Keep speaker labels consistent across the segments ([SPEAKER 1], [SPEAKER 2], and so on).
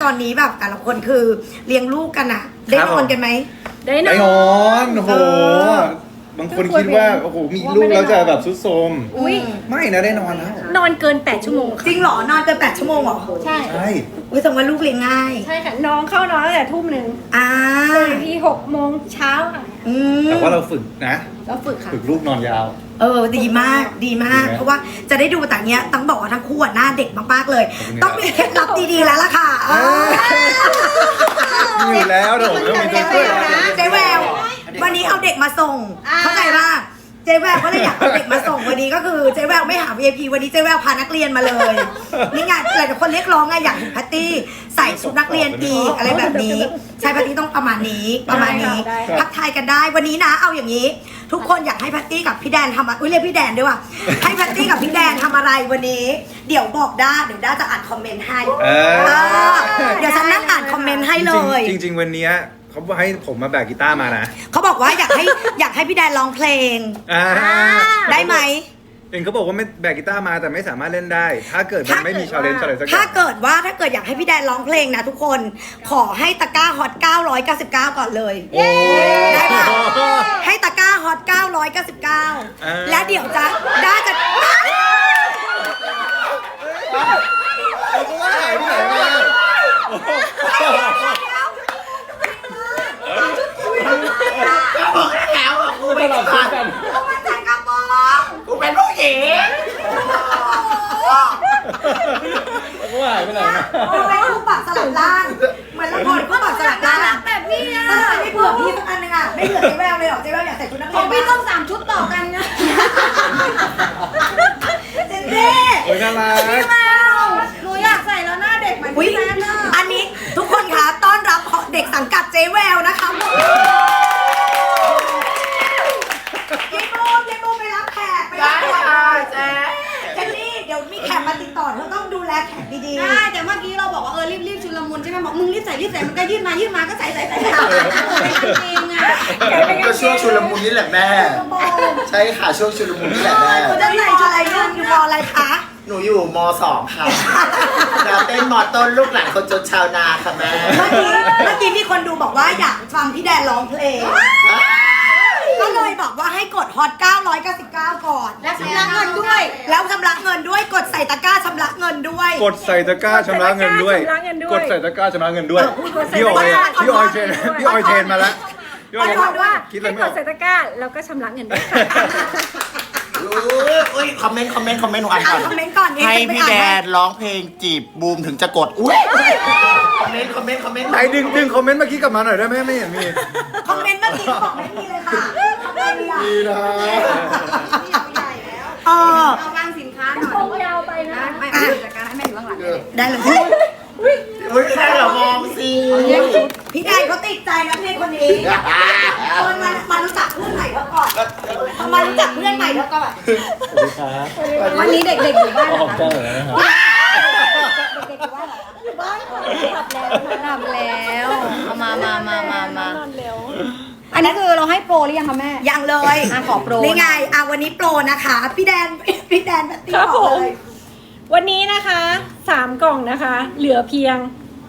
[SPEAKER 1] ตอนนี้แบบแต่ละคนคือเลี้ยงลูกกันอะได้นอนกันไหม
[SPEAKER 2] ได้น
[SPEAKER 3] ไอ้น
[SPEAKER 2] อ
[SPEAKER 3] อนโอ้โหบางคนคิดว่าโอ้โหมีลูกแล้วจะแบบซุดโทรม
[SPEAKER 2] อุ้ย
[SPEAKER 3] ไม่นะได้นอนแล้ว
[SPEAKER 2] นอนเกิน8 ชั่วโมง
[SPEAKER 1] จริงเหรอนอนเกิน8 ชั่วโมงเหรอ
[SPEAKER 2] ใช่
[SPEAKER 3] ใช่
[SPEAKER 1] อุ้ยแสดงว่าลูกเลี้ยงง่าย
[SPEAKER 2] ใช่ค่ะน้องเข้านอนตั้งแต่ทุ่มหนึ่ง
[SPEAKER 1] อ่า
[SPEAKER 2] ตื่นที6 โมงเช้าค่ะ
[SPEAKER 1] อืม
[SPEAKER 3] แต่ว่าเราฝึกนะ
[SPEAKER 2] เราฝึกค่ะ
[SPEAKER 3] ฝึกลูกนอนยาว
[SPEAKER 1] ดีมากดีมาก
[SPEAKER 3] ดีไหม
[SPEAKER 1] เพราะว่าจะได้ดูแต่เนี้ยต้องบอกว่าทั้งคู่อะหน้าเด็กมากๆเลย
[SPEAKER 3] ขอบคุณครับ
[SPEAKER 1] ต้องมีเคล็ดลับดีๆแล้วล่ะค่ะ
[SPEAKER 3] มีอยู่แล้วเดี๋ยวผมต้องมีตัวช่วย
[SPEAKER 1] เจ๊แวววันนี้เอาเด็กมาส่งเข้าใจป่ะเจ๊แววก็เลยอยากเอาเด็กมาส่งวันนี้ก็คือเจ๊แววไม่หา VIP วันนี้เจ๊แววพานักเรียนมาเลยนี่ไงหลายคนเรียกร้องไงอยากเห็นแพตตี้ใส่ชุดนักเรียนอีกอะไรแบบนี้ใช่แพตตี้ต้องประมาณนี้ทักทายกันได้วันนี้นะเอาอย่างนี้ ทุกคนอยากให้แพตตี้กับพี่แดนทำเรียกพี่แดนด้วยว่ะให้แพตตี้กับพี่แดนทำอะไรวันนี้ เดี๋ยวบอกด้าเดี๋ยวด้าจะอ่านคอมเมนต์ให้เดี๋ยวฉันนั่งอ่านคอมเมนต์ให้เลย
[SPEAKER 3] จริงๆวันนี้เขาให้ผมมาแบกกีตาร์มานะ
[SPEAKER 1] เขาบอกว่าอยากให้พี่แดนร้องเพลง ได้ไหม
[SPEAKER 3] เองเขาบอกว่าไม่แบกกีตาร์มาแต่ไม่สามารถเล่นได้ ถ้าเกิดมันไม่มีชาเลนจ์อะไรสักอย่า
[SPEAKER 1] ถ้าง เกิดอยากให้พี่แดนร้องเพลงนะทุกคนขอให้ตะกร้าฮอต999ก่อนเลยได้ปะให้ตะกร้าฮอต999และเดี๋ยวจะด้าจะ
[SPEAKER 3] เขาก็ว่าหายไปไหนมา
[SPEAKER 4] แล้วอ่ะกูไม่ได้ฟัง
[SPEAKER 1] เขามาแต่งกระโปรง
[SPEAKER 4] กูเป็นผู้หญิง
[SPEAKER 3] เขาก็ว่าหายไปไหนมา
[SPEAKER 1] เขาเป็นคู่ปากสลับล่างเหมือนละครคู่ปากสลับล่าง
[SPEAKER 2] แบบนี้อ่ะ
[SPEAKER 1] ถ้าไม่เผื่อพี่สักอันนึงอ่ะไม่เผื่อเจ๊แววเลยหรอเจ๊แววอยากใส่ชุดนัก
[SPEAKER 2] ข
[SPEAKER 1] เรี
[SPEAKER 2] อย ง
[SPEAKER 1] น
[SPEAKER 2] พี่ต้อง3 ชุดต่อกันนะ
[SPEAKER 1] เจ๊เจ๊
[SPEAKER 3] โอ้ยน่ารัก
[SPEAKER 2] หนูอยากใส่แล้วหน้าเด็กเหมือน
[SPEAKER 1] อุ๊ย
[SPEAKER 2] พี่แม่น่ะ
[SPEAKER 1] อันนี้ทุกคนคะต้อนรับเด็กสังกัดเจ๊แววนะคะเจ๊โบไปรับแขกไปรับแขก
[SPEAKER 4] เจ๊
[SPEAKER 1] เจนนี่เดี๋ยวมีแขกมาติดต่อเธอต้องดูแลแขกดี
[SPEAKER 2] ได้แต่เมื่อกี้เราบอกว่ารีบชุลมุนใช่ไหมบอกมึงรีบใส่มันก็ยืดมาก็ใส่เป็นกางเกงอ่ะ
[SPEAKER 4] ก็ช่วงชุลมุนนี่แหละแม่
[SPEAKER 1] ๆ
[SPEAKER 4] ใช่ค่ะช่วงชุลมุนนี่แหละแม่
[SPEAKER 1] คุณจะใส่ชุดอะไรลูกอยู่มออะไรคะ
[SPEAKER 4] หนูอยู่ม .2 ค่ะดาวเต้นมต้นลูกหลานคนจนชาวนาค่ะแม่
[SPEAKER 1] เมื่อกี้มีคนดูบอกว่าอยากฟังพี่แดนร้องเพลง ก็เลยบอกว่าให้กดฮอต999ก่อน
[SPEAKER 2] และชำระเงินด้วย
[SPEAKER 1] แล้วชำระเงินด้วยกดใส่ตะกร้าชำระเงินด้วย
[SPEAKER 3] กดใส่ตะกร้าชำระเงินด้วย กดใส่ตะกร้าชำระเงินด้วยพี่ออยเทรนมาแล้วพี่ออย
[SPEAKER 1] เอาด้วย
[SPEAKER 3] คิดอะไร
[SPEAKER 2] ให้
[SPEAKER 3] ไม่
[SPEAKER 2] ก
[SPEAKER 3] ออ
[SPEAKER 2] ด
[SPEAKER 3] ก
[SPEAKER 2] ใส่ตะกร้าแล้วก็ชำระเงินด้วยค่ะ
[SPEAKER 4] อุ้ยคอมเมนต์หนูอ่านก่อน
[SPEAKER 1] คอมเมนต์ก่อนเอง
[SPEAKER 4] ให้
[SPEAKER 1] จะไป
[SPEAKER 4] พี่
[SPEAKER 1] อ่าน
[SPEAKER 4] แด
[SPEAKER 1] ให้
[SPEAKER 4] นร้องเพลงจีบบูมถึงจะกดอุ้ยคอมเมนต์
[SPEAKER 3] ไหนดึงคอมเมนต์เมื่อกี้กลับมาหน่อยได้ไหมไม่เห็นมี
[SPEAKER 1] คอมเมนต์เมื่อกี้บอกไม่มีเลยค่ะทำไมอ่ะ
[SPEAKER 3] ดีนะ
[SPEAKER 1] เออ
[SPEAKER 2] เอาวางสินค้าหน่อยยาวไปนะไม่จัดการให้แม่อยู่ข้างหลัง
[SPEAKER 1] ได้เลย
[SPEAKER 4] อุ้ยแค่เรามองสิ
[SPEAKER 1] พี่แดนเขาติดใจนะพี่คนนี้คนมารู้จักเพื่อนใหม่เขาก่อนมารู้จักเพื่อนใหม่เขาก่อน
[SPEAKER 2] วันนี้เด็กๆอยู่บ้านเหรอคะ
[SPEAKER 3] เลยนะครับ
[SPEAKER 2] เด็กๆอยู่บ้านเหรออยู่บ้านหลับแล้วเอามาอันนี้คือเราให้โปรหรือยังคะแม่
[SPEAKER 1] ยังเลย
[SPEAKER 2] ขอโปร
[SPEAKER 1] นี่ไงวันนี้โปรนะคะ พี่แดนแบบตีบอกเลย
[SPEAKER 5] วันนี้นะคะ3 กล่องนะคะ เหลือเพียง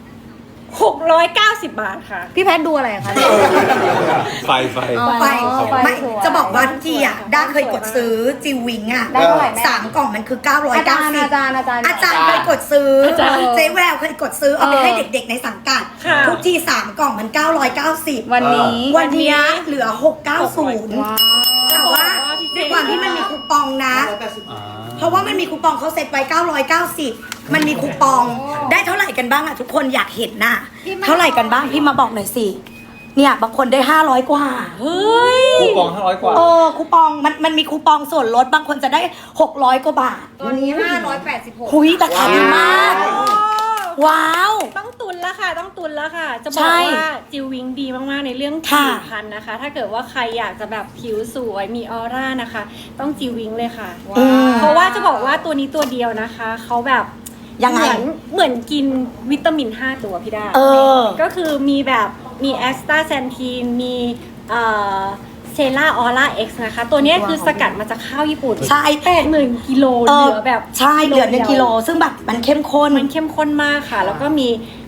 [SPEAKER 5] 690 บาทค่ะ
[SPEAKER 2] พี่แพทดูอะไรคะ
[SPEAKER 3] ไฟ
[SPEAKER 2] อ๋อ
[SPEAKER 1] ไป
[SPEAKER 2] ไป
[SPEAKER 1] ไม่
[SPEAKER 2] สวย
[SPEAKER 1] จะบอกว่าทุกทีอ่ะด้าเคยกดซื้อจิววิงอ่ะ
[SPEAKER 2] ได้เท่าไหร่แม่
[SPEAKER 1] 3 กล่องมันคือ
[SPEAKER 2] อาจารย์
[SPEAKER 1] 990
[SPEAKER 2] อาจารย์
[SPEAKER 1] อาจารย์เคยกดซื้อ
[SPEAKER 5] อาจารย์
[SPEAKER 1] เจ๊แววเคยกดซื้อเอาไปให้เด็กๆในสังกัด
[SPEAKER 5] ค่ะ
[SPEAKER 1] ทุกที3 กล่องมัน990
[SPEAKER 2] วันนี้
[SPEAKER 1] วันเนี้ยเหลือ690
[SPEAKER 2] ว้าว
[SPEAKER 1] แต่ว่าด้วยความที่มันมีคูปองนะ เพราะว่ามันมีคูปองเขาเซ็ตไว้990มันมีคูปองได้เท่าไหร่กันบ้างอะทุกคนอยากเห็นน่ะเท่าไหร่กันบ้างพี่มาบอกหน่อยสิเนี่ยบางคนได้500กว่า
[SPEAKER 5] เฮ้ย
[SPEAKER 3] คูปอง500 กว่า
[SPEAKER 1] คูปองมันมีคูปองส่วนลดบางคนจะได้600กว่าบาท
[SPEAKER 2] ตัวนี้586
[SPEAKER 1] หุยราคาดีมาก ว้าว
[SPEAKER 5] ต้องตุนแล้วค่ะ ต้องตุนแล้วค่ะ จะบ
[SPEAKER 1] ใช่
[SPEAKER 5] อกว่าจิววิงดีมากๆในเรื่อง
[SPEAKER 1] ค่ะ
[SPEAKER 5] ผิวพรรณนะคะ ถ้าเกิดว่าใครอยากจะแบบผิวสวยมีออร่านะคะ ต้องจิววิงเลยค่ะ
[SPEAKER 1] อืม
[SPEAKER 5] เพราะว่าจะบอกว่าตัวนี้ตัวเดียวนะคะเขาแบบ
[SPEAKER 1] ยังไง
[SPEAKER 5] เหมือนกินวิตามิน5 ตัวพี่ดา ก็คือมีแบบมีแอสตาแซนทีนมีเซล่าออร่าเอ็กซ์นะคะ ตัวเนี้ยคือสกัดมาจากข้าวญี่ปุ่น
[SPEAKER 1] ใช่
[SPEAKER 5] 80,000 กิโลเหลือแบบ
[SPEAKER 1] ใช่เหลือ1 กิโลซึ่งแบบมันเข้มข้น
[SPEAKER 5] มันเข้มข้นมากค่ะ แล้วก็มี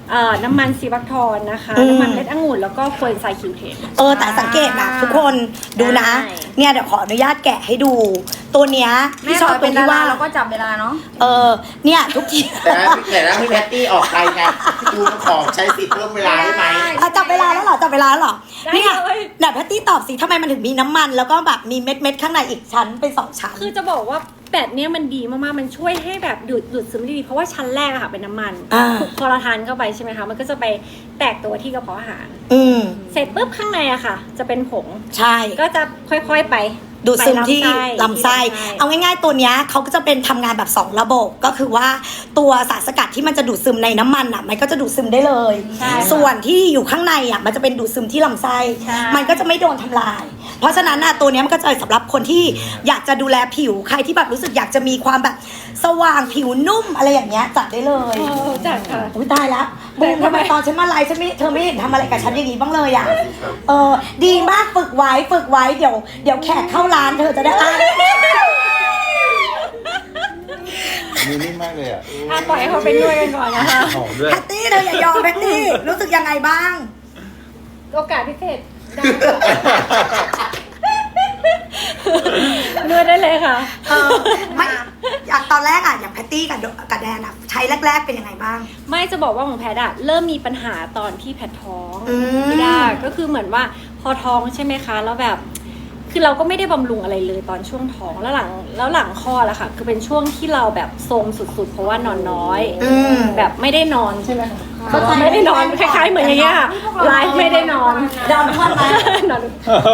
[SPEAKER 5] น้ำมันซีบักทอนนะคะ น้ำมันเม็ดองุ่นแล้วก็โคเอนไซม์คิวเทน
[SPEAKER 1] แต่สังเกตนะทุกคนดูนะ
[SPEAKER 5] ใช่
[SPEAKER 1] เนี่ยเดี๋ยวขออนุญาตแกะให้ดู ตัวเนี้ย
[SPEAKER 2] แม่
[SPEAKER 1] พี่ช
[SPEAKER 2] ช
[SPEAKER 1] อ
[SPEAKER 2] อ
[SPEAKER 1] บบ ตร
[SPEAKER 2] เป็น
[SPEAKER 1] ง
[SPEAKER 2] ดา
[SPEAKER 1] ที่
[SPEAKER 2] รา
[SPEAKER 1] ว่า
[SPEAKER 2] เราก็จับเวลาเนาะ
[SPEAKER 1] เนี่ยทุกที
[SPEAKER 4] แต่แล้วพี่แพตตี้ออกไปไงดูของใช้สิทธิ์เพิ่มเวลาได้ไหม
[SPEAKER 1] จับเวลาแล้วเหรอจับเวลาแล้วเหรอ
[SPEAKER 5] ได้
[SPEAKER 1] เนี่ย
[SPEAKER 5] เลย
[SPEAKER 1] เดี๋ยวแพตตี้ตอบสิทำไมมันถึงมีน้ำมัน แล้วก็แบบมีเม็ดข้างในอีกชั้นเป็น2ชั้น
[SPEAKER 5] คือจะบอกว่าแปดเนี้ยมันดีมากๆ มันช่วยให้แบบดูดซึมได้ดี เพราะว่าชั้นแรกอะค่ะเป็นน้ำมัน พอเราทานเข้าไปใช่ไหมคะ มันก็จะไปแตกตัวที่กระเพาะอาหาร เสร็จปุ๊บข้างในอะค่ะ จะเป็นผง
[SPEAKER 1] ใช่
[SPEAKER 5] ก็จะค่อยๆไป
[SPEAKER 1] ดูดซึมที่
[SPEAKER 5] ไป
[SPEAKER 1] ลำไส้ เอาง่ายๆตัวเนี้ยเขาก็จะเป็นทำงานแบบ2ระบบก็คือว่าตัวสารสกัดที่มันจะดูดซึมในน้ำมันอ่ะมันก็จะดูดซึมได้เลย
[SPEAKER 5] ใช่
[SPEAKER 1] ส่วนที่อยู่ข้างในอ่ะมันจะเป็นดูดซึมที่ลำไส้
[SPEAKER 5] ใช่
[SPEAKER 1] มันก็จะไม่โดนทำลาย เพราะฉะนั้นน่ะตัวเนี้ยมันก็จะสำหรับคนที่อยากจะดูแลผิวใครที่แบบรู้สึกอยากจะมีความแบบสว่างผิวนุ่มอะไรอย่างเงี้ยจัดได้เลย
[SPEAKER 5] จัดค่ะ
[SPEAKER 1] อุ้ยตายแล้วบูมทำไมตอนฉันมาไลฟ์ฉันไม่เธอไม่เห็นทำอะไรกับฉันอย่างนี้บ้างเลยอ่ะดีมากฝึกไว้เดี๋ยวแขกเข้าร้านเธอจะได้อ่าน
[SPEAKER 3] มีนิ่มมากเลยอ่ะ
[SPEAKER 5] ปล่อยให้เขาไปนวดกันก่อนนะคะ
[SPEAKER 3] หอมด้วย
[SPEAKER 1] แพตตี้เธออย่ายอมแพตตี้รู้สึกยังไงบ้าง
[SPEAKER 5] โอกาสพิเศษได้นวดได้เลยค่ะ
[SPEAKER 1] ไม่อย่างตอนแรกอ่ะอย่างแพตตี้กับแดนอ่ะใช้แรกๆเป็นยังไงบ้าง
[SPEAKER 5] ไม่จะบอกว่าของแพทย์อะเริ่มมีปัญหาตอนที่แพทย์ท้อง
[SPEAKER 1] ม
[SPEAKER 5] ไม่ได้ก็คือเหมือนว่าพอท้องใช่ไหมคะแล้วแบบ คือเราก็ไม่ได้บำรุงอะไรเลยตอนช่วงท้องแล้วหลังคลอดอะค่ะ คือเป็นช่วงที่เราแบบโทรมสุดๆ เพราะว่านอนน้อย แบบไม่ได้นอนใช่ไหมคะไม่ได้นอนคล้ายๆเหมือนอย่างเงี้ยค่ะไลฟ์ไม่ได้นอน
[SPEAKER 1] นอนทุกวันไหม
[SPEAKER 5] นอน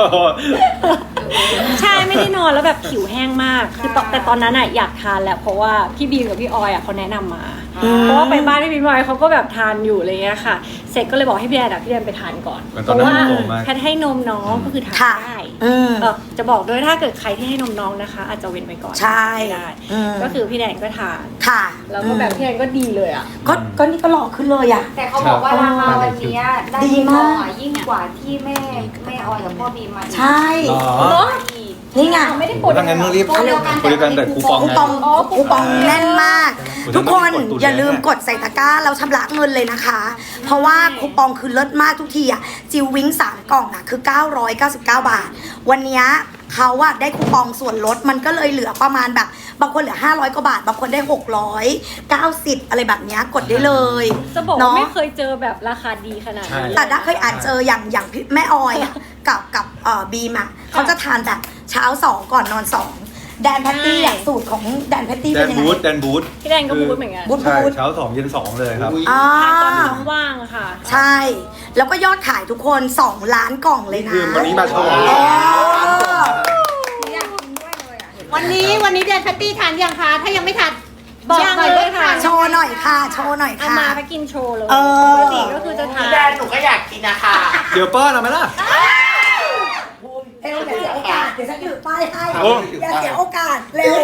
[SPEAKER 5] ใช่ไม่ได้นอนแล้วแบบผิวแห้งมากคือแต่ตอนนั้นอะอยากทานแหละเพราะว่าพี่บีมกับพี่ออยอะเขาแนะนำมา เพราะว่าไปบ้านพี่บีมพี่ออยเขาก็แบบทานอยู่อะไรเงี้ยค่ะ เสร็จก็เลยบอกให้พี่แดนไปทานก่อน
[SPEAKER 3] เหมือน
[SPEAKER 5] เพ
[SPEAKER 3] ตอน
[SPEAKER 5] ราะ
[SPEAKER 3] นั้น
[SPEAKER 5] ว่า
[SPEAKER 3] โตมาก
[SPEAKER 5] แพทย์ให้นมน้องก็คือทาน
[SPEAKER 1] ค่ะ
[SPEAKER 5] ได้
[SPEAKER 1] อืม
[SPEAKER 5] จะบอกด้วยถ้าเกิดใครที่ให้นมน้องนะคะ อาจจะเว้นไว้ก่อน
[SPEAKER 1] ใช่
[SPEAKER 5] ไม่ได้ ก็คือพี่แดนก็ทาน
[SPEAKER 1] ค่ะ
[SPEAKER 5] แล้วก็แบบพี่แดนก็ดีเลยอ่ะ
[SPEAKER 1] ก็นี่ก็หล่อขึ้นเลยอ่ะ
[SPEAKER 2] แต่เขาบอกว่าราคาวันนี้ได้
[SPEAKER 1] ดีมาก
[SPEAKER 2] ยิ่งกว่าที่แม่ออยกับพ่อบีมมา
[SPEAKER 1] ใช่
[SPEAKER 3] หรอ
[SPEAKER 5] เนาะ
[SPEAKER 1] นี่ไง
[SPEAKER 5] ไม่ได้กด
[SPEAKER 3] ถ้างั้นต้องรีบ
[SPEAKER 2] โปรเดียวกัน
[SPEAKER 3] บริการแต่คูปอง
[SPEAKER 1] คู
[SPEAKER 3] ไง
[SPEAKER 1] ปองคูปองแน่นมาก
[SPEAKER 3] คุณ
[SPEAKER 1] ทุกคน
[SPEAKER 3] ต้องรีบกดตุน
[SPEAKER 1] อย่าลืม
[SPEAKER 3] แน่
[SPEAKER 1] กดใส่ตะกร้าแล้วชำระเงินเลยนะคะ เพราะว่าคูปองคือเลิศมากทุกทีอ่ะจิววิ้ง3 กล่องอ่ะคือ 999 บาท วันเนี้ยเขาอะได้คูปองส่วนลดมันก็เลยเหลือประมาณแบบบางคนเหลือ500 กว่าบาท บางคนได้690อะไรแบบเนี้ยกดได้เลย
[SPEAKER 5] จะบอกว่า
[SPEAKER 1] เนาะ
[SPEAKER 5] ไม่เคยเจอแบบราคาดีขนาดนี้
[SPEAKER 1] แต่ถ้าเคยอ่านเจออย่างพี่แม่ออยอ่ะ กับบีมอ่ะเขาจะทานแบบเช้า2ก่อนนอน2แดนแพตตี้อ่ะสูตรของแดนแพตตี้
[SPEAKER 3] แด
[SPEAKER 1] เป็น
[SPEAKER 3] น
[SPEAKER 1] ยังไง
[SPEAKER 3] บูธแดนบูธ
[SPEAKER 5] พี่แดนก็พูดเหมือนกัน
[SPEAKER 1] บูธ
[SPEAKER 3] ใช่เช้า2เย็น2เลยครับ
[SPEAKER 1] อ่า
[SPEAKER 5] ทานตอนท้องว่างอะค่ะ
[SPEAKER 1] ใช่ แล้วก็ยอดขายทุกคน2 ล้านกล่องเลยนะ
[SPEAKER 3] คือวันนี้มาโชว์
[SPEAKER 1] อ๋อ
[SPEAKER 2] อยากกินด้วยเลยอ่ะ
[SPEAKER 6] วันนี้แดนแพตตี้ทานยังคะ ถ้ายังไม่ทาน
[SPEAKER 5] บอกหน่อยเลยค่ะ
[SPEAKER 1] โชว์หน่อยค่ะ โชว์หน่อย
[SPEAKER 5] เอา
[SPEAKER 1] ค่ะ
[SPEAKER 5] มาไปกินโชว์เลย
[SPEAKER 1] เออ
[SPEAKER 5] ปกติก็คือจะทาน
[SPEAKER 4] แดนหนูก็อยากกินนะคะ
[SPEAKER 3] เดี๋ยวป้อนเอาไหมล่ะ
[SPEAKER 1] เร็วอย่าเสียโอกาสเดี๋ยวฉันถือป้ายให้
[SPEAKER 3] โอ้
[SPEAKER 1] อย่าเสียโอกาสเร็ว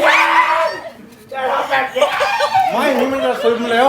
[SPEAKER 3] ไม่นี่มันจะซึมเร็ว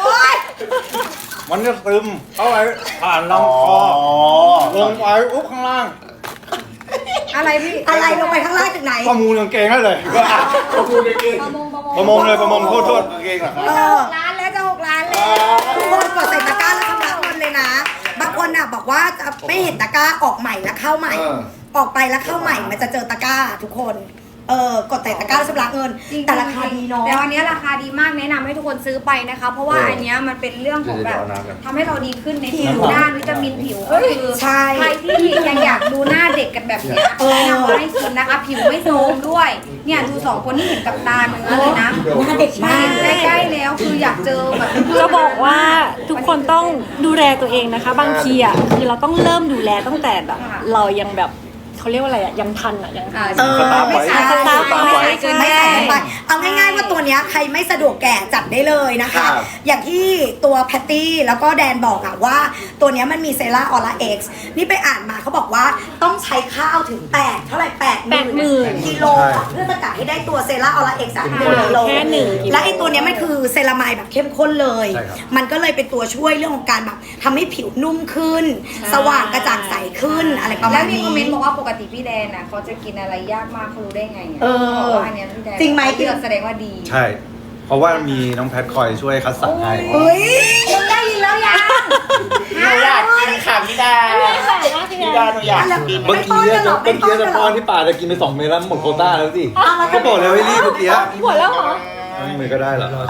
[SPEAKER 3] มันจะซึมเข้าไปผ่านลำคอลงไปอุ๊บข้างล่าง
[SPEAKER 2] อะไรพี่
[SPEAKER 1] อะไรลงไปข้างล่างถึงไหน
[SPEAKER 3] ประมูลกางเกงได้เลย
[SPEAKER 4] ประมูลจริง
[SPEAKER 3] ประมงเลยประมงโทษกางเกงเหรอครับ
[SPEAKER 1] เออ
[SPEAKER 2] ร้านแล้วจะ6 ล้านแล้ว
[SPEAKER 1] ทุกคนกดใส่ตะกร้าแล้วชำระเงินเลยนะ บางคนอ่ะบอกว่าจะไม่เห็นตะกร้าออกใหม่แล้วเข้าใหม่ ออกไปแล้วเข้าใหม่มันจะเจอตะกร้าทุกคน กดใส่ตะกร้าแล้วชำระเงิน แต่ราคาดีเนาะ
[SPEAKER 2] แต่วันนี้ราคาดีมากแนะนำให้ทุกคนซื้อไปนะคะ เพราะว่าอันเนี้ยมันเป็นเรื่องของแบบทำให้เราดีขึ้นในผิวด้านวิตามินผิวก็คือ
[SPEAKER 1] ใช่
[SPEAKER 2] ใครที่ยังอยากดูหน้าเด็กกันแบบเนี้ยแนะนำว่าให้กินนะคะ ผิวไม่โทรมด้วย เนี่ยดู2 คนที่เห็นกับตาเนื้อเลยนะ
[SPEAKER 1] หน้าเด็กมาก
[SPEAKER 2] ใกล้ๆแล้วคืออยากเจอแบบ
[SPEAKER 5] จะบอกว่าทุกคนต้องดูแลตัวเองนะคะ บางทีอ่ะคือเราต้องเริ่มดูแลตั้งแต่แบบเรายังแบบเขาเรียกว่าอะไรอ่ะยังทันอ่ะยังทัน
[SPEAKER 2] ไม่ใช่
[SPEAKER 1] สตาร์ฟไว้
[SPEAKER 2] ไม่ใช่
[SPEAKER 1] ไม่ใส่ลงไปเอาง่ายๆว่าตัวเนี้ยใครไม่สะดวกแก่จัดได้เลยนะคะ อย่างที่ตัวแพตตี้แล้วก็แดนบอกอะว่าตัวเนี้ยมันมีเซราออร่าเอ็กซ์นี่ไปอ่านมาเขาบอกว่าต้องใช้ข้าวถึงเท่าไหร่80,000กิโลอะเพื่อสกัดให้ได้ตัวเซราออร่าเอ็กซ์1กิโล
[SPEAKER 5] แค่1 กิโล
[SPEAKER 1] และไอตัวเนี้ยมันคือเซรามายแบบเข้มข้นเลย
[SPEAKER 3] ใช่ครับ
[SPEAKER 1] มันก็เลยเป็นตัวช่วยเรื่องของการแบบทำให้ผิวนุ่มขึ้น สว่างกระจ่างใสขึ้นอะไรประมา
[SPEAKER 2] แล้ว
[SPEAKER 1] ณ
[SPEAKER 2] มี
[SPEAKER 1] นี้
[SPEAKER 2] คอมเมนต์บอกว่าปกติพี่แดนน่ะเขาจะกินอะไรยากมากเขารู้ได้ไงเนี่ย
[SPEAKER 1] เออ
[SPEAKER 2] บอกว่าอันเนี้ยพี่แดน
[SPEAKER 1] จริงไหม
[SPEAKER 2] เลือกแสดงว่าดี
[SPEAKER 3] ใช่ เพราะว่ามีน้องแพทคอยช่วยคัดสรรให้
[SPEAKER 1] เฮ้ย
[SPEAKER 2] ได้ยินแล้วอย
[SPEAKER 4] หนูอยากกินค่ะพี่ดาพี่ดาหนูอยากกิน
[SPEAKER 3] เมื่อกี้จะป้อนที่ป่าจะกินไป2 เม็ดแล้วหมดโควต้าแล้วสิเขาบอกแล้วให้รีบเมื่อกี้
[SPEAKER 5] หมดแล้วเหรอ
[SPEAKER 3] มือก็ได้เหรอ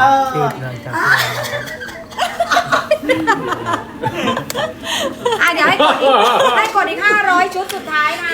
[SPEAKER 2] เดี๋ยวให้กดอีก500 ชุดสุดท้ายนะ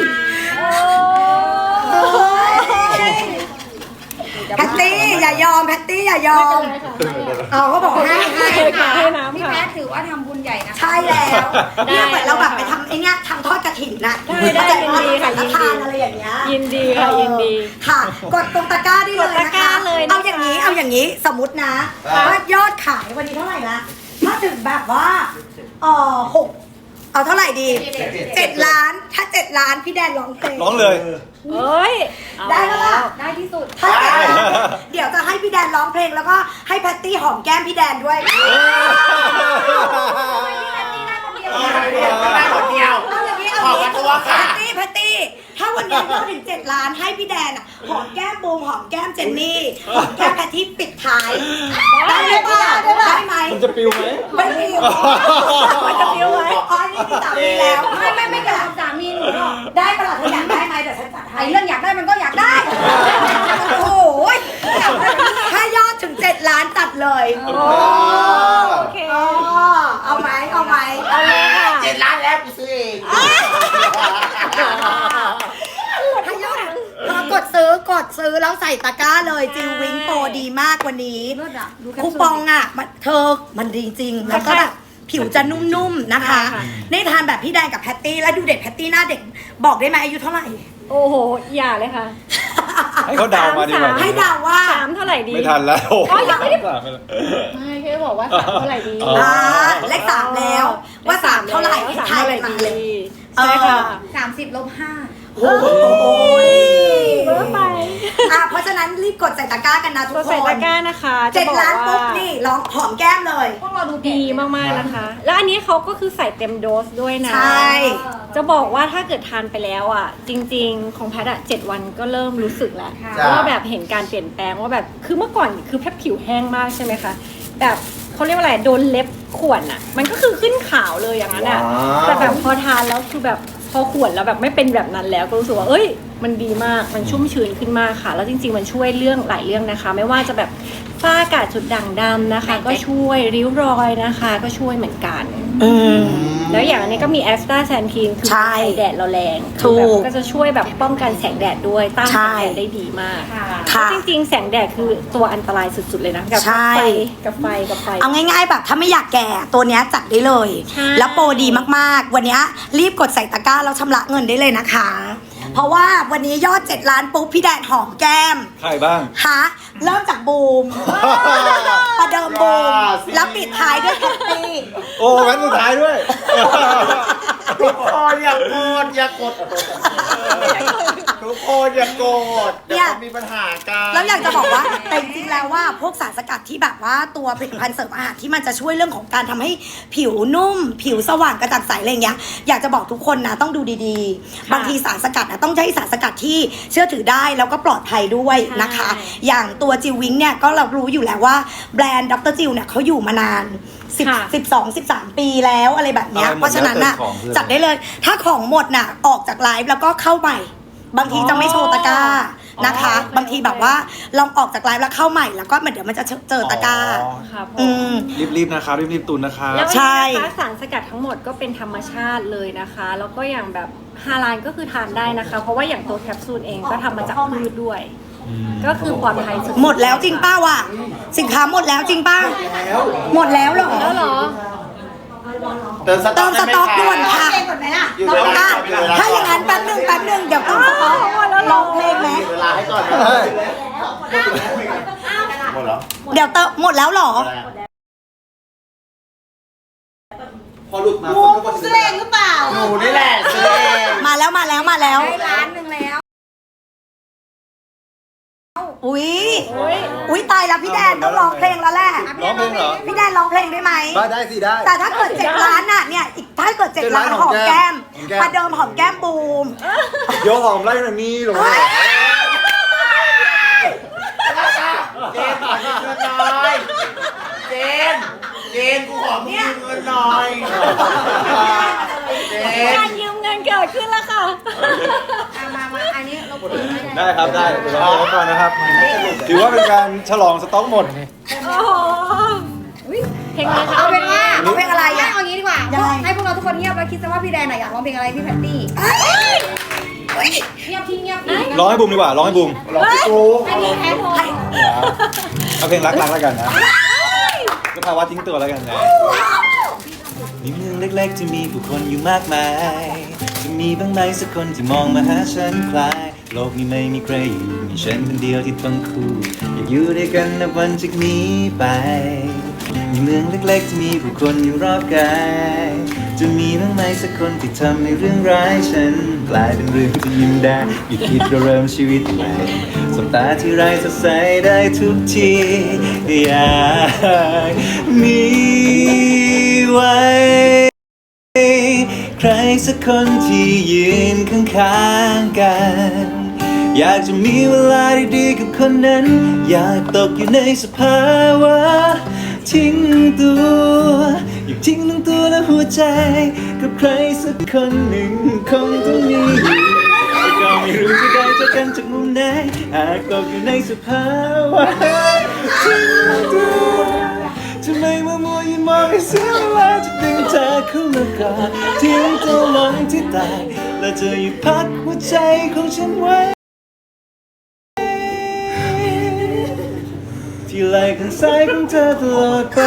[SPEAKER 1] แพตตี้อย่ายอมแพตตี้อย่ายอมเขาบอกให้
[SPEAKER 5] ให้น้ำ
[SPEAKER 2] พี่
[SPEAKER 5] ค่ะ
[SPEAKER 2] แพทถือว่าทำบุญใหญ่นะคะ
[SPEAKER 1] ใช่แล้วเนี่ยเหมือนเราแบบไปทำไอ้เนี้ยทำทอดกระถิ่นน่ะ
[SPEAKER 5] ได้ยินดีค่ะ
[SPEAKER 1] สังฆทานอะไรอย่างเงี้ย
[SPEAKER 5] ยินดีค่ะยินดี
[SPEAKER 1] ค่ะ กดตรงตะกร้าได้เลย
[SPEAKER 5] กดตะ
[SPEAKER 1] นะ
[SPEAKER 5] กร้า
[SPEAKER 1] คะ
[SPEAKER 5] เลยนะคะ
[SPEAKER 1] เอาอย่างนี้สมมตินะว่ายอดขายวันนี้เท่าไหร่ละถ้าถึงแบบว่า6เอาเท่าไหร่ดี7 ล้านถ้า7 ล้านพี่แดนร้องเพลง
[SPEAKER 3] ร้องเลย
[SPEAKER 5] เอ้ย
[SPEAKER 1] ได้แล้วล่ะ
[SPEAKER 2] ได้ที่สุด
[SPEAKER 1] ถ้าเดี๋ยวจะให้พี่แดนร้องเพลงแล้วก็ให้แพตตี้หอมแก้มพี่แดนด้วย
[SPEAKER 4] ได้คนเดียว
[SPEAKER 1] เอาอย่างนี้
[SPEAKER 4] ขอบคุณตัวค่ะ
[SPEAKER 1] แพตตี้ถ้าวันนี้ยอดถึง7 ล้านให้พี่แดนอะหอมแก้มบูมหอมแก้มเจนนี่หอมแก้มแพตตี้ปิดท้ายได้ไหมได้ไหม
[SPEAKER 3] มันจะปิวไหม
[SPEAKER 1] ไม่ปิวมันจะปิวไหมอ๋อนี่มีสามีแล้วไม่กระ
[SPEAKER 2] สามีหนูหรอก
[SPEAKER 1] ได้ปะล่ะเธออยากได้ไหมเดี๋ยวฉันจัดให้
[SPEAKER 2] ไอ้เรื่องอยากได้มันก็อยากได้
[SPEAKER 1] โอ้โหถ้ายอดถึง7 ล้านจัดเลย
[SPEAKER 5] โอเค
[SPEAKER 1] เอาไหมเอาไหม
[SPEAKER 5] เอาเลยค่ะ
[SPEAKER 4] 7 ล้านแล้วกูซื้อเอง
[SPEAKER 1] ถ้ายอดกดซื้อแล้วใส่ตะกร้าเลยจิววิงโปรดีมากวันนี้
[SPEAKER 2] เลิศอะดูแคป
[SPEAKER 1] คู
[SPEAKER 2] ซูล
[SPEAKER 1] ปองอ่ะมันดีจริง แล้วก็แบบผิวจะนุ่มๆนะคะ
[SPEAKER 5] ค่ะ
[SPEAKER 1] ได้ทานแบบพี่แดงกับแพตตี้แล้วดูเด็กแพตตี้หน้าเด็กบอกได้ไหมอายุเท่าไหร่
[SPEAKER 5] โอ้โห อย่าเลยค่ะ
[SPEAKER 3] ให้เขาเดามาดีกว่า
[SPEAKER 1] ให้เดาว่า
[SPEAKER 5] 3 เท่าไหร่ดี
[SPEAKER 3] ไม่ทันแล้ว
[SPEAKER 5] อ๋อยังไม่ได้
[SPEAKER 6] ไม่แค่บอกว่า3เท่าไหร่ดี
[SPEAKER 3] อ๋อ
[SPEAKER 1] เลข3แล้วว่า3เท่าไหร่
[SPEAKER 5] 3
[SPEAKER 1] ทาย
[SPEAKER 5] เท่าไหร่
[SPEAKER 1] มา
[SPEAKER 5] ดี
[SPEAKER 1] เลย
[SPEAKER 5] ใช่ค่ะ
[SPEAKER 2] 30 ลบ 5
[SPEAKER 1] โอ้ย
[SPEAKER 5] เบอร์ไป
[SPEAKER 1] เพราะฉะนั้นรีบกดใส่ตะกร้ากันนะทุ
[SPEAKER 5] ก
[SPEAKER 1] ก
[SPEAKER 5] ด
[SPEAKER 1] ค
[SPEAKER 5] ใส่ตะ
[SPEAKER 1] น
[SPEAKER 5] กร้านะคะจะบอก
[SPEAKER 1] 7 ล้านปุ๊บ
[SPEAKER 5] ว่า
[SPEAKER 1] นี่ร้องหอมแก้มเลย
[SPEAKER 2] พวกเราดู
[SPEAKER 5] ดีมากๆนะคะ แล้วอันนี้เขาก็คือใส่เต็มโดสด้วยนะ
[SPEAKER 1] ใช่
[SPEAKER 5] จะบอกว่าถ้าเกิดทานไปแล้วอ่ะ จริงๆ ของแพทย์อ่ะ7 วันก็เริ่มรู้สึกแล้ว
[SPEAKER 4] จ้ะ
[SPEAKER 5] ว่าแบบเห็นการเปลี่ยนแปลงว่าแบบคือเมื่อก่อนคือแพทย์ผิวแห้งมากใช่ไหมคะแบบเขาเรียกว่าอะไรโดนเล็บข่วนอ่ะ มันก็คือขึ้นขาวเลยอย่างนั้นอ่ะ
[SPEAKER 4] ว้าว
[SPEAKER 5] แต่แบบพอทานแล้วคือแบบพอข่วนแล้วแบบไม่เป็นแบบนั้นแล้วก็รู้สึกว่าเอ้ยมันดีมากมันชุ่มชื้นขึ้นมากค่ะ แล้วจริงๆมันช่วยเรื่องหลายเรื่องนะคะ ไม่ว่าจะแบบฝ้ากระจุดด่างดำนะคะ ก็ช่วยริ้วรอยนะคะ ก็ช่วยเหมือนกัน แล้วอย่างอันนี้ก็มีแอสตาแซนทีนคือ
[SPEAKER 1] ใช่
[SPEAKER 5] ไอแดดเราแรง
[SPEAKER 1] ถูก
[SPEAKER 5] คือแบบก็จะช่วยแบบป้องกันแสงแดดด้วยต้าน
[SPEAKER 1] ใช่
[SPEAKER 5] แสงแดดได้ดีมาก
[SPEAKER 1] ค่ะ
[SPEAKER 5] จริงๆแสงแดดคือตัวอันตรายสุดๆเลยนะกับ
[SPEAKER 1] ใช่
[SPEAKER 5] ไฟกับไฟกับไฟ
[SPEAKER 1] เอาง่ายๆแบบถ้าไม่อยากแก่ตัวเนี้ยจัดได้เลย
[SPEAKER 5] ใช่
[SPEAKER 1] แล้วโปรดีมากๆ วันเนี้ยรีบกดใส่ตะกร้าแล้วชำระเงินได้เลยนะคะ เพราะว่าวันนี้ยอด7 ล้านปุ๊บพี่แดนหอมแก้ม
[SPEAKER 3] ใครบ้าง
[SPEAKER 1] ฮะเริ่มจากบูมประเดิมบูมแล้วปิดท้ายด้วยแพตตี้
[SPEAKER 3] โอ้แว่นสุดท้ายด้วย
[SPEAKER 4] ทุกคนอย่าโกรธอย่ากดทุกคนอย่าโกรธเดี๋ยวเขามีปัญหากัน
[SPEAKER 1] แล้วอยากจะบอกว่าแต่จริงๆแล้วว่าพวกสารสกัดที่แบบว่าตัวผลิตภัณฑ์เสริมอาหารที่มันจะช่วยเรื่องของการทำให้ผิวนุ่ม ผิวสว่างกระจ่างใสอะไรอย่างเงี้ยอยากจะบอกทุกคนนะต้องดูดีๆ บางทีสารสกัดนะต้องใช้สารสกัดที่เชื่อถือได้แล้วก็ปลอดภัยด้วยนะคะ อย่างตัวจิววิงเนี่ยก็เรารู้อยู่แล้วว่าแบรนด์ดรจิวเนี่ยเขาอยู่มานาน13 ปีแล้วอะไรแบบเนี้ย
[SPEAKER 3] อะไรหมด
[SPEAKER 1] เพราะฉะนั้นน่ะ
[SPEAKER 3] แล้วแต่ของคือ
[SPEAKER 1] จัดได้เลย ถ้าของหมดน่ะออกจากไลฟ์แล้วก็เข้าใหม่ บางทีจะไม่โชว์ตะกร้านะคะ บางทีแบบว่าลองออกจากไลฟ์แล้วเข้าใหม่แล้วก็เดี๋ยวมันจะเจอตะกร้า
[SPEAKER 5] ครับผม
[SPEAKER 1] อืม
[SPEAKER 3] รีบๆนะครับรีบๆตุนนะครับ
[SPEAKER 5] แล้ว
[SPEAKER 1] ใช่
[SPEAKER 5] อันนี้นะคะสารสกัดทั้งหมดก็เป็นธรรมชาติเลยนะคะ แล้วก็อย่างแบบฮาลาลก็คือทานได้นะคะ เพราะว่าอย่างตัวแคปซูลเองก็ทำมาจากพืชด้วย ก็คือปลอดภัยสุดๆ
[SPEAKER 1] หมดแล้วจริงป้าวะสินค้าหมดแล้วจริงป้าหมดแล้วเหรอ
[SPEAKER 5] แล้วเหรอ
[SPEAKER 4] เติมส
[SPEAKER 1] เติ
[SPEAKER 4] ต๊อก
[SPEAKER 1] มสต็อกด่วนค่ะ
[SPEAKER 4] อยู่
[SPEAKER 1] ต้
[SPEAKER 4] เว
[SPEAKER 1] อง
[SPEAKER 4] ลา
[SPEAKER 1] ถ้าอย่างนั้นแป๊บหนึ่งเดี๋ยวเติมสต็อกลองเพลงไหม
[SPEAKER 4] อยู่เวลาให้ก่อนนะหมดแล้ว
[SPEAKER 1] เดี๋ยวเติมหมดแล้วเหรอ
[SPEAKER 3] พอหลุดมา
[SPEAKER 6] ซื้อเองหรือเปล่า
[SPEAKER 4] หนูนี่แหละซื้อเอง
[SPEAKER 1] มาแล้ว
[SPEAKER 2] ได้1 ล้านแล้ว
[SPEAKER 1] อุ้ยตายแล้วพี่แดนต้องร้องเพลงแล้วแหละ
[SPEAKER 3] ร้องเพลงเหรอ
[SPEAKER 1] พี่แดนร้องเพลงได้ไหม
[SPEAKER 3] ได้สิได้
[SPEAKER 1] แต่ถ้าเกิด7 ล้านน่ะเนี่ยอีกถ้าเกิด7 ล้านหอมแก้ม
[SPEAKER 3] หอมแก้ม
[SPEAKER 1] ประเดิมหอมแก้มบูม
[SPEAKER 3] เดี๋ยวหอมไล่หน่อยนี่ลงมา
[SPEAKER 4] เจนขอเชิญหน่อยเจนเจนกูขอมึงยืมเงินหน่อยเจน
[SPEAKER 5] การยืมเงินเกิดขึ้นแล้วค่ะ
[SPEAKER 2] มาอันนี้เราเปิดไม่ได้
[SPEAKER 3] ได้ครับได้เดี๋ยวเราไปก่อนนะครับ ถือว่าเป็นการฉลองสต็อกหมด
[SPEAKER 5] โอ้โหเพลงอะไรคะ
[SPEAKER 2] เอาเป็นว่า
[SPEAKER 1] เอาเพลงอะไร
[SPEAKER 2] ไม่
[SPEAKER 1] อ่ะ
[SPEAKER 2] เอางี้ดีกว่า
[SPEAKER 1] ยังไง
[SPEAKER 2] ให้พวกเราทุกคนเงียบแล้วคิดซะว่าพี่แดนอยากร้องเพลงอะไรพี่แพตตี้เงียบที่เงียบ
[SPEAKER 3] ร้องให้บูมดีกว่า ร้องให้บูม
[SPEAKER 4] ร้องพี่กู
[SPEAKER 2] ให้พี่แพ้โทร
[SPEAKER 3] เอาเพลงรักๆแล้วกันนะก็ภาวะทิ้งตัวแล้วกันนะในเมืองเล็กๆที่มีผู้คนอยู่มากมาย จะมีบ้างไหมสักคนที่มองมาหาฉันคลาย โลกนี้ไม่มีใครอยู่มีฉันคนเดียวที่ต้องคู่อยากอยู่ด้วยกันนับวันจากนี้ไปในเมืองเล็กๆที่มีผู้คนอยู่รอบกายจะมีบ้างไหมสักคนที่ทำให้เรื่องร้ายฉันกลายเป็นเรื่องที่ยิ้มได้หยุดคิดเราเริ่มชีวิตใหม่สบตาที่ไรสดใสได้ทุกทีอยากมีไว้ใครสักคนที่ยืนข้างๆกันอยากจะมีเวลาดีๆกับคนนั้นอยากตกอยู่ในสภาวะทิ้งตัวอยากทิ้งทั้งตัวและหัวใจกับใครสักคนหนึ่งคงต้องมีแต่ก็ไม่รู้จะได้เจอกันจากมุมไหนหากตกอยู่ในสภาวะทิ้งตัวทำไมมัวๆยืนมองให้เสียเวลาจะดึงเธอเข้ามากอดทิ้งตัวลงที่ตายและจะหยุดพักหัวใจของฉันไว้ที่ไหล่ข้างซ้ายของเธอตลอดไป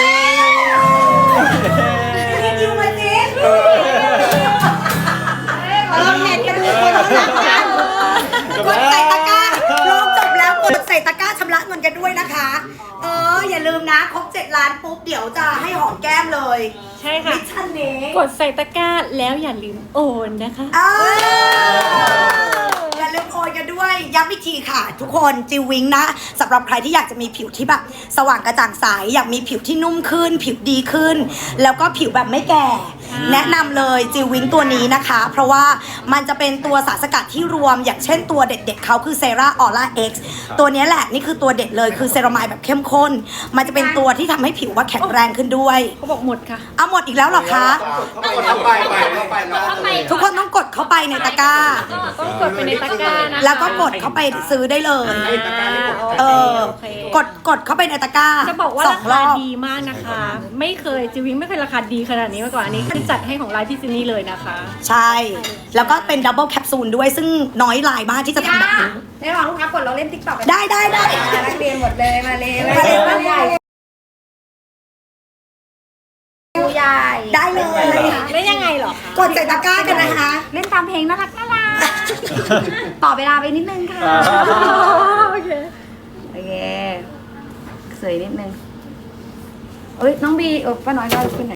[SPEAKER 1] ยูมาเจ๊เน็ตกันดูคนละกันกดใส่ตะกร้าร้องจบแล้วกดใส่ตะกร้าชำระเงินกันด้วยนะคะ อย่าลืมนะครบ7 ล้านปุ๊บเดี๋ยวจะให้หอมแก้มเลย
[SPEAKER 5] ใช่ค่ะ
[SPEAKER 1] มิชชั่นนี้
[SPEAKER 5] กดใส่ตะกร้าแล้วอย่าลืมโอนนะคะ
[SPEAKER 1] อย่าลืมโอนกันด้วยย้ำอีกทีค่ะ ทุกคนจิววิงนะสำหรับใครที่อยากจะมีผิวที่แบบสว่างกระจ่างใสอยากมีผิวที่นุ่มขึ้น ผิวดีขึ้น แล้วก็ผิวแบบไม่แก่ แนะนำเลยจิววิงตัวนี้นะคะ เพราะว่ามันจะเป็นตัวสารสกัดที่รวม อย่างเช่นตัวเด็ดๆเขาคือเซราออร่าเอ็กซ์ตัวนี้แหละนี่คือตัวเด็ดเลยคือเซรามายแบบเข้มข้น มันจะเป็นตัวที่ทำให้ผิวว่าแข็งแรงขึ้นด้วย
[SPEAKER 5] เขาบอกหมดค่ะ
[SPEAKER 1] เอาหมดอีกแล้วเหรอคะ
[SPEAKER 4] เข้าไปแล้ว
[SPEAKER 1] ทุกคนต้องกดเข้าไปในตะกร้า
[SPEAKER 5] ต้องกดไปในตะกร้านะคะ
[SPEAKER 1] แล้วก็กดเข้าไปซื้อได้เลย
[SPEAKER 5] โอเค
[SPEAKER 1] กดเข้าไปในตะกร้า
[SPEAKER 5] จะบอกว่า
[SPEAKER 1] ส
[SPEAKER 5] รา
[SPEAKER 1] องร
[SPEAKER 5] คา
[SPEAKER 1] อบ
[SPEAKER 5] ดีมากนะคะ ไม่เคยจิวิงไม่เคยราคาดีขนาดนี้มาก่อนอันนี้คือจัดให้ของไลฟ์พี่ซินนี่เลยนะคะ
[SPEAKER 1] ใช่ แล้วก็เป็นดับเบิลแคปซูลด้วยซึ่งน้อยรายมากที่จะทำแบบนี้
[SPEAKER 2] ในระหว่างลูกค้ากดเราเล่นติ๊กต็อกกัน
[SPEAKER 1] ได้
[SPEAKER 2] นักเรียนหมดเลยมาเลย ผู้ใหญ่
[SPEAKER 1] ได้เลย
[SPEAKER 5] ได้ยังไงเหรอคะ
[SPEAKER 1] กดใส่ตะกร้ากันนะคะ
[SPEAKER 2] เล่นตามเพลงน่ารักต่อเวลาไปนิดนึงค่ะ
[SPEAKER 5] โอเค
[SPEAKER 2] โอเคสวยนิดนึงเอ้ยน้องบีป้าน้อยก็ขึ้นหน่อย